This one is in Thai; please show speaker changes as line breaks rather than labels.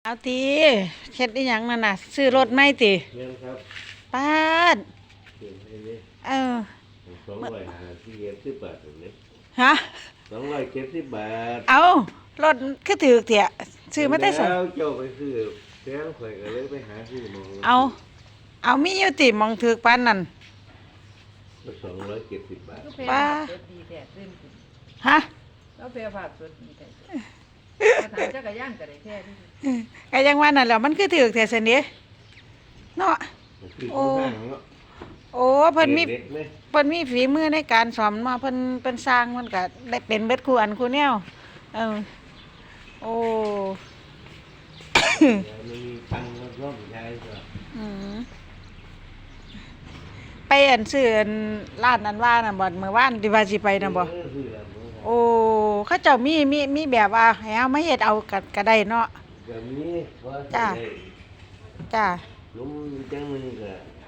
เอาตีเฮ็ดอีหยังนั่นน่ะซื้อรถไหมติ
เงินครับ
ป้าด
เก็บให้นี่
เออ
250 บาทตรงนี้
ฮะ
270 บาท
เอารถคือถือเถี่ยซื้อมาแต่ไส
แล้วเจ้าไปซื้อแพงข่อยก็เลยไปหาซื้อหมอง
เอามีอยู่ติหมองถือปานนั่น
270 บาท
ป้า
สดดีแท้ขึ้นขึ้น
ฮะ
แล้วเปรียบภาพสดดีแท้มาถามจักรยานก็ได้แท้ที่
ก็ยังว่านั่นแหล้วมันคือถือแท้ซั่นเด้เนาะ
โอ้
โอ้เพิ่นมี
เด็กไหม
เพิ่นมีฝีมือในการสอนมาเพิ่นเป็นสร้างมันก็ได้เป็นเบิดคู่อันคู่แนวเออโอ้
มันมีตังค์มาร่วมใช้ก็
อืมไปอันซื้ออันร้านนั้นว่าน่ะบ่มื้อวานที่ว่าสิไปน่ะบ่
ซื้อแล้ว
โอ้เขาเจ้ามีแบบว่าให้เอามาเฮ็ดเอาก็ได้เนาะ
ก็มีว่า
จ้า
ได้
จ้า
ลุมจังนึงก็